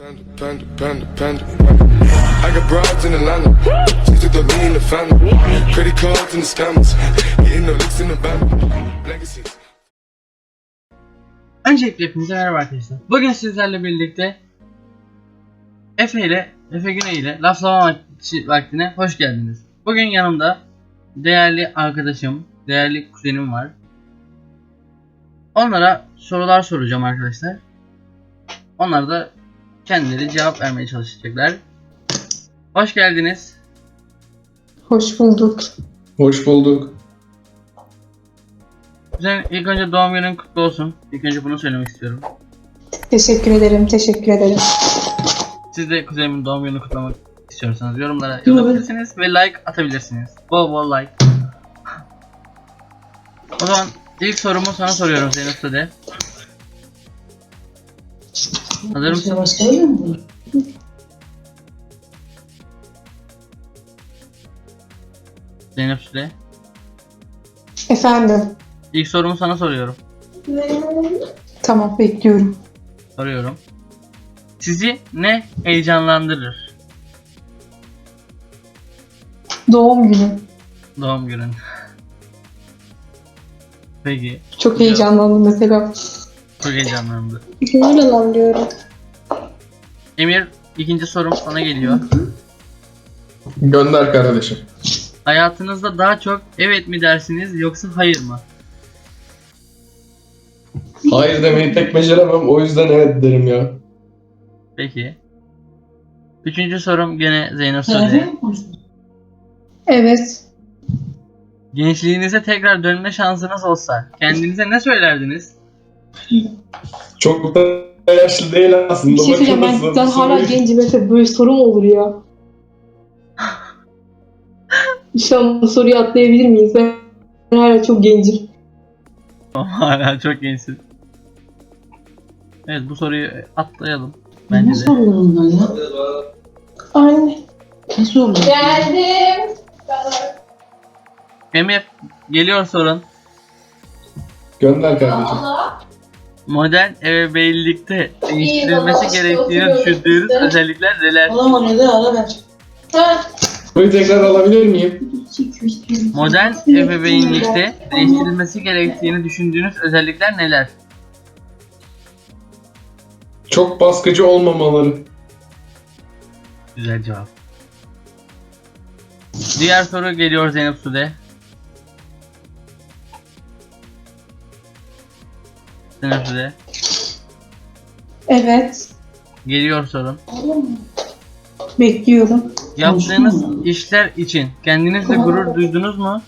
Panda. I got broads in Atlanta. Just took the lean in the family. Credit cards and the scammers. Hitting the licks in the band. Legacies. Öncelikle hepinize merhaba arkadaşlar. Bugün sizlerle birlikte Efe Güney ile laflama vaktine hoş geldiniz. Bugün yanımda değerli arkadaşım, değerli kuzenim var. Onlara sorular soracağım arkadaşlar. Onlar da kendileri cevap vermeye çalışacaklar. Hoş geldiniz. Hoş bulduk. Hoş bulduk. Kuzen, ilk önce doğum günün kutlu olsun. İlk önce bunu söylemek istiyorum. Teşekkür ederim. Teşekkür ederim. Siz de kuzenimin doğum gününü kutlamak istiyorsanız yorumlara yazabilirsiniz ve like atabilirsiniz. Bol bol like. O zaman ilk sorumu sana soruyorum Zeynep Sude. Hazır mısın? Zeynep Sude. Efendim. İlk sorumu sana soruyorum. Tamam, bekliyorum. Soruyorum. Sizi ne heyecanlandırır? Doğum günü. Doğum günün. Peki. Çok heyecanlandım mesela. Çok heyecanlandı. Öyle lan diyorum. Emir, ikinci sorum sana geliyor. Gönder kardeşim. Hayatınızda daha çok evet mi dersiniz yoksa hayır mı? Hayır demeyi pek beceremem, o yüzden evet derim ya. Peki. Üçüncü sorum gene Zeynep Sude. Evet. Gençliğinize tekrar dönme şansınız olsa kendinize ne söylerdiniz? Çok da yaşlı değil aslında. Bir şey söyleyeceğim, bakılırsa ben bu hala soruyu- gencim, mesela böyle soru mu olur ya? Şu an bu soruyu atlayabilir miyiz? Ben hala çok gencim. Hala çok gençsin. Evet, bu soruyu atlayalım. Bence Ne de. sorular onlar ya? Anne. Ne sorular? Geldim. Emir, geliyor sorun. Gönder kardeşim. Modern ebeveynlikte değiştirilmesi gerektiğini düşündüğünüz özellikler neler? Oğlum o ne de ara ver. Soruyu tekrar alabilir miyim? Modern ebeveynlikte değiştirilmesi gerektiğini düşündüğünüz özellikler neler? Çok baskıcı olmamaları. Güzel cevap. Diğer soru geliyor Zeynep Sude. Zeynep Sude. Evet. Geliyor sorun. Bekliyorum. Yaptığınız işler için kendinizle gurur duydunuz mu?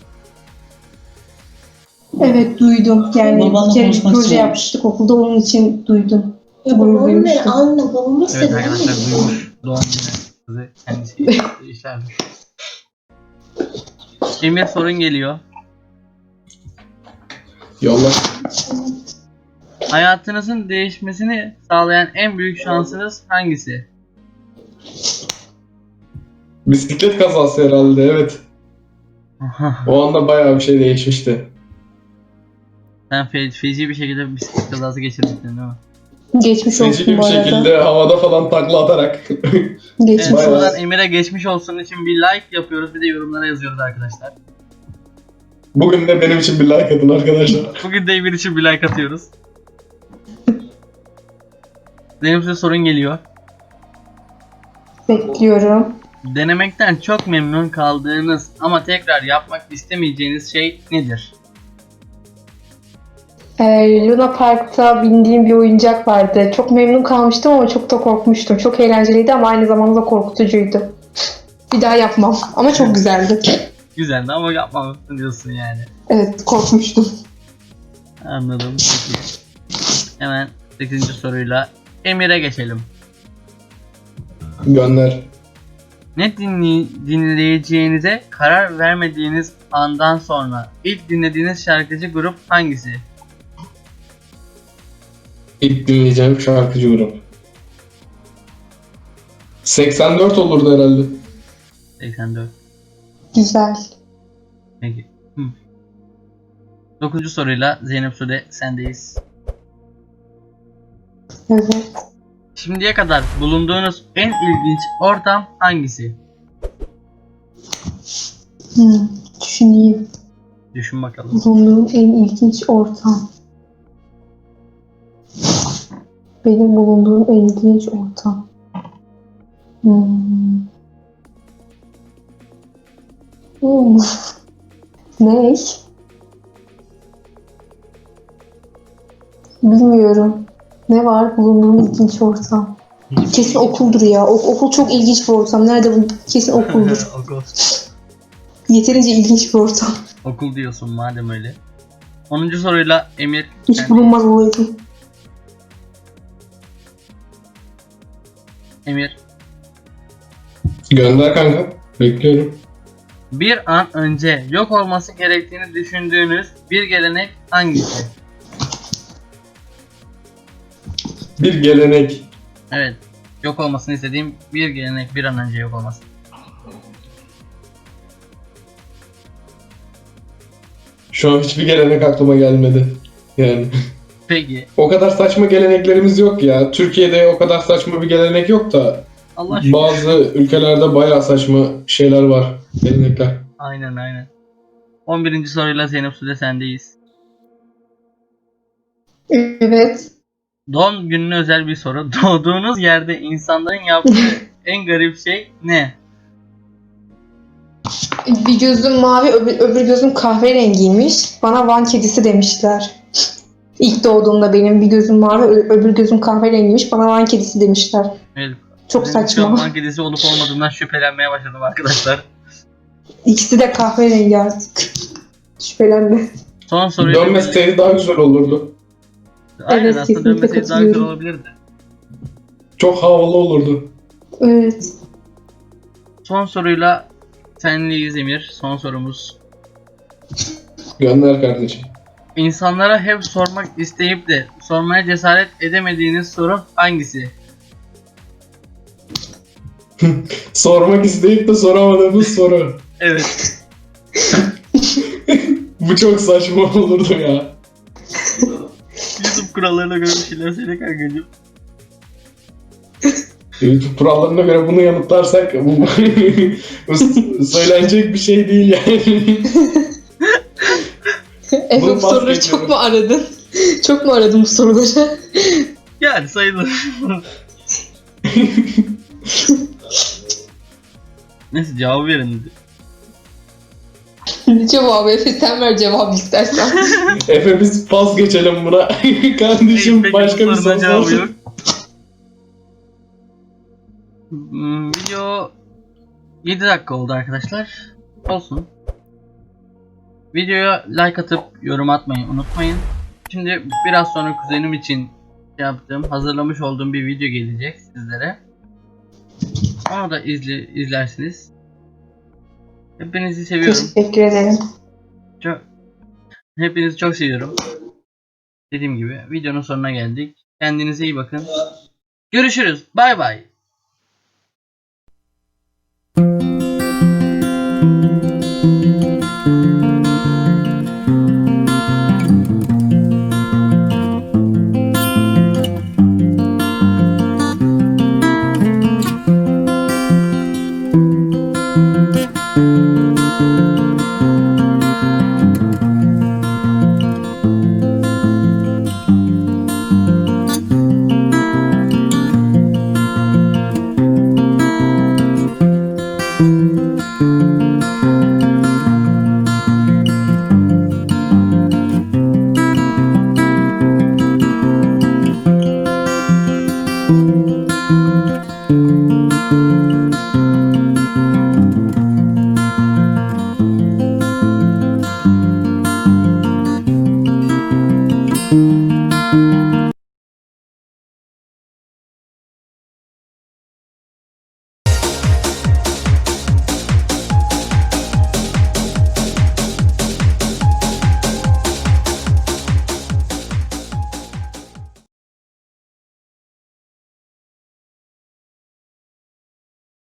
Evet, duydum. Yani Babanla bir kere bir konuşmak proje istiyorum. yapmıştık okulda, onun için duydum. Ya Gurur babamın ne? duymuştum. Anne babamı Evet seviyor. arkadaşlar, duymuş. Doğum günü kızı kendisi yaptığı işler. Emir, sorun geliyor. Yolla. Hayatınızın değişmesini sağlayan en büyük şansınız hangisi? Bisiklet kazası herhalde, evet. O anda bayağı bir şey değişmişti. Sen feci bir şekilde bisiklet kazası geçirdin değil mi? Geçmiş Feci olsun bir bu arada. şekilde havada falan takla atarak. Geçmiş Evet, Bayağı. buradan Emir'e geçmiş olsun için bir like yapıyoruz, bir de yorumlara yazıyoruz arkadaşlar. Bugün de benim için bir like atın arkadaşlar. Bugün de Emir için bir like atıyoruz. Benim size sorun geliyor. Bekliyorum. Denemekten çok memnun kaldığınız ama tekrar yapmak istemeyeceğiniz şey nedir? Luna Park'ta bindiğim bir oyuncak vardı. Çok memnun kalmıştım ama çok da korkmuştum. Çok eğlenceliydi ama aynı zamanda korkutucuydu. Bir daha yapmam ama çok güzeldi. Güzeldi ama yapmamışsın diyorsun yani. Evet, korkmuştum. Anladım. Peki. Hemen 8. soruyla Emir'e geçelim. Gönder. Ne dinleyeceğinize karar vermediğiniz andan sonra ilk dinlediğiniz şarkıcı grup hangisi? İlk dinleyeceğim şarkıcı grup. 84 olurdu herhalde. 84. Güzel. Peki. 9. soruyla Zeynep Sude sendeyiz. Evet. Şimdiye kadar bulunduğunuz en ilginç ortam hangisi? Düşüneyim. Düşün bakalım. Bulunduğum en ilginç ortam. Benim bulunduğum en ilginç ortam. Ne? Bilmiyorum. Ne var bulunduğum ilginç ortam? Kesin okuldur ya. Okul çok ilginç bir ortam. Nerede bu? Kesin okuldur. Okul. Yeterince ilginç bir ortam. Okul diyorsun madem öyle. 10. soruyla Emir. Hiç kendi- bulunmaz olaydı. Emir. Gönder kanka. Bekliyorum. Bir an önce yok olması gerektiğini düşündüğünüz bir gelenek hangisi? Bir gelenek. Evet. Yok olmasını istediğim bir gelenek bir an önce yok olması. Şu an hiçbir gelenek aklıma gelmedi. Yani Peki. o kadar saçma geleneklerimiz yok ya. Türkiye'de o kadar saçma bir gelenek yok da Allah şükür. bazı ülkelerde bayağı saçma şeyler var. Gelenekler. Aynen. 11. soruyla Zeynep Sude sendeyiz. Evet. Doğum gününe özel bir soru. Doğduğunuz yerde insanların yaptığı en garip şey ne? Bir gözüm mavi, öbür gözüm kahverengiymiş. Bana Van kedisi demişler. İlk doğduğumda benim bir gözüm mavi, öbür gözüm kahverengiymiş. Bana Van kedisi demişler. Evet. Çok Benim şu an saçma. Van kedisi olup olmadığından şüphelenmeye başladım arkadaşlar. İkisi de kahverengi artık. Şüphelenme. Son soruyla Dönmeseydi daha güzel olurdu. Aynen, Evet, aslında kesinlikle dönmeseydi daha güzel katılıyorum. olabilirdi. Çok havalı olurdu. Evet. Son soruyla sendeyiz Emir. Son sorumuz. Gönder kardeşim. İnsanlara hep sormak isteyip de sormaya cesaret edemediğiniz soru hangisi? Sormak isteyip de soramadığımız soru. Evet. Bu çok saçma olurdu ya. YouTube kurallarına göre bir şeyler söyle kankacığım. YouTube kurallarına göre bunu yanıtlarsak bu söylenecek bir şey değil yani. Efe Bunu bu soruları bahsediyorum. çok mu aradın? Çok mu aradın bu soruları? Yani sayılır. Neyse cevabı verin. Cevabı Efe sen ver cevabı istersen. Efe biz pas geçelim buna. Kardeşim Peki, başka bir sorunun soru cevabı sorsun. yok. Video 7 dakika oldu arkadaşlar. Olsun. Videoya like atıp yorum atmayı unutmayın. Şimdi biraz sonra kuzenim için hazırlamış olduğum bir video gelecek sizlere. Onu da izlersiniz. Hepinizi seviyorum. Teşekkür ederim. Hepinizi çok seviyorum. Dediğim gibi videonun sonuna geldik. Kendinize iyi bakın. Görüşürüz. Bay bay.